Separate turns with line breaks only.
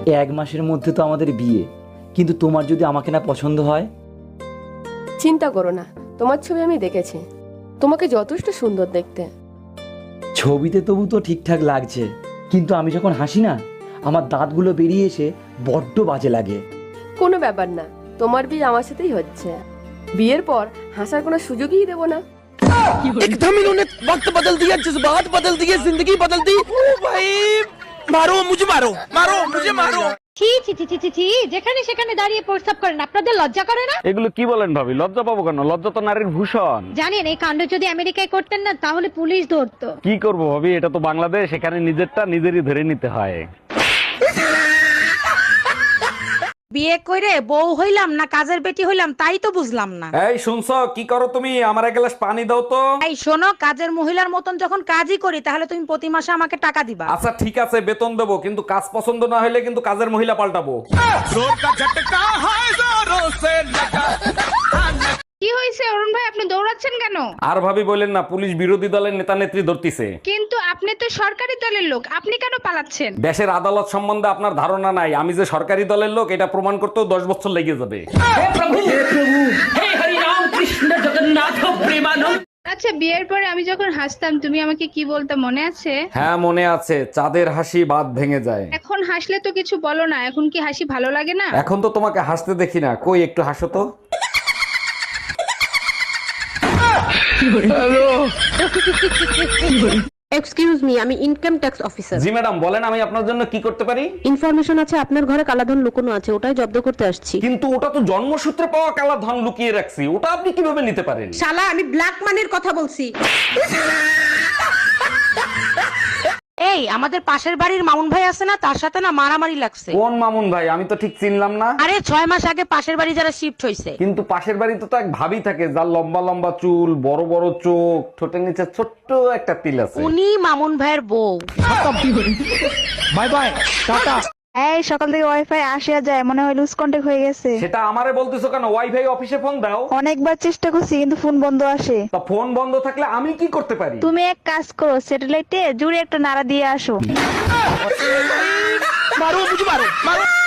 এক মাসের মধ্যে তো আমাদের বিয়ে, কিন্তু তোমার যদি আমাকে না পছন্দ হয়?
চিন্তা করো না, তোমার ছবি আমি দেখেছি, তোমাকে যথেষ্ট সুন্দর দেখতে।
ছবিতে তবু তো ঠিকঠাক লাগছে, কিন্তু আমি যখন হাসি না, আমার দাঁতগুলো বেরিয়ে এসে বড্ড বাজে লাগে।
কোনো ব্যাপার না, তোমার বিয়ে আমার সাথেই হচ্ছে। বিয়ের পর হাসার কোনো সুযোগই দেবো না।
एकदम इन्होंने वक्त बदल दिया, जज्बात बदल दिए, जिंदगी बदल दी। ओ भाई मारो मुझे, मारो मारो मुझे, मारो।
ছি ছি ছি ছি ছি ছি, যেখানে সেখানে দাঁড়িয়ে প্রস্তাব করেন, আপনাদের লজ্জা করে না?
এগুলো কি বলেন ভাবি? লজ্জা পাবো কেন? লজ্জা তো নারীর ভূষণ।
জানেন এই কাণ্ড যদি আমেরিকায় করতেন না, তাহলে পুলিশ ধরতো।
কি করবো ভাবি, এটা তো বাংলাদেশ, এখানে নিজেরটা নিজেরই ধরে নিতে হয়।
বিয়ে করে বউ হইলাম না কাজের বেটি হইলাম তাই তো বুঝলাম না।
এই শুনছো, কি করো তুমি? আমার এক গ্লাস পানি দাও তো।
এই শোনো, কাজের মহিলার মতন যখন কাজই করি তাহলে তুমি প্রতি মাসে আমাকে টাকা দিবা।
আচ্ছা ঠিক আছে, বেতন দেবো, কিন্তু কাজ পছন্দ না হলে কিন্তু কাজের মহিলা পাল্টাবো।
কি হয়েছে অরুণ ভাই, আপনি দৌড়াচ্ছেন কেন?
আর ভাবি বলেন না, পুলিশ বিরোধী দলের নেতা নেত্রী ধরতিছে।
কিন্তু আপনি তো সরকারি দলের লোক, আপনি কেন পালাচ্ছেন?
দেশের আদালত সম্বন্ধে আপনার ধারণা নাই, আমি যে সরকারি দলের লোক এটা প্রমাণ করতেও 10 বছর লেগে যাবে।
আচ্ছা, বিয়ের পরে আমি যখন হাসতাম তুমি আমাকে কি বলতে মনে আছে?
হ্যাঁ মনে আছে, চাঁদের হাসি বাদ ভেঙে যায়।
এখন হাসলে তো কিছু বলো না, এখন কি হাসি ভালো লাগে না?
এখন তো তোমাকে হাসতে দেখি না, কই একটু হাসো তো।
এক্সকিউজ মি, আমি ইনকাম ট্যাক্স অফিসার।
জি ম্যাডাম বলেন, আমি আপনার জন্য কি করতে পারি?
ইনফরমেশন আছে আপনার ঘরে কালাধন লুকোনো আছে, ওটাই জব্দ করতে আসছি।
কিন্তু ওটা তো জন্মসূত্রে পাওয়া কালা ধন লুকিয়ে রাখছি, ওটা আপনি কিভাবে নিতে পারেন?
শালা, আমি ব্ল্যাক মানির কথা বলছি।
এই আমাদের পাশের বাড়ির মামুন ভাই আছে না, তার সাথে না মারামারি লাগছে।
কোন মামুন ভাই? আমি তো ঠিক চিনলাম না।
আরে 6 মাস আগে পাশের বাড়ি যারা শিফট হইছে।
কিন্তু পাশের বাড়িতে তো এক ভাবি থাকে, যার লম্বা লম্বা চুল, বড় বড় চোখ, ঠোঁটের নিচে ছোট্ট একটা তিল আছে।
উনি মামুন ভাইয়ের বউ।
Bye bye tata.
এই সকাল থেকে ওয়াইফাই আসে আর যায়, মনে হয় লুজ কন্টাক্ট হয়ে গেছে।
সেটা আমারে বলতেছো কেন? ওয়াইফাই অফিসে ফোন দাও।
অনেকবার চেষ্টা করছি কিন্তু ফোন বন্ধ আসে।
তা ফোন বন্ধ থাকলে আমি কি করতে পারি?
তুমি এক কাজ করো, স্যাটেলাইটে জুড়ে একটা নাড়া দিয়ে আসো।
मारो मुझे, मारो मारो।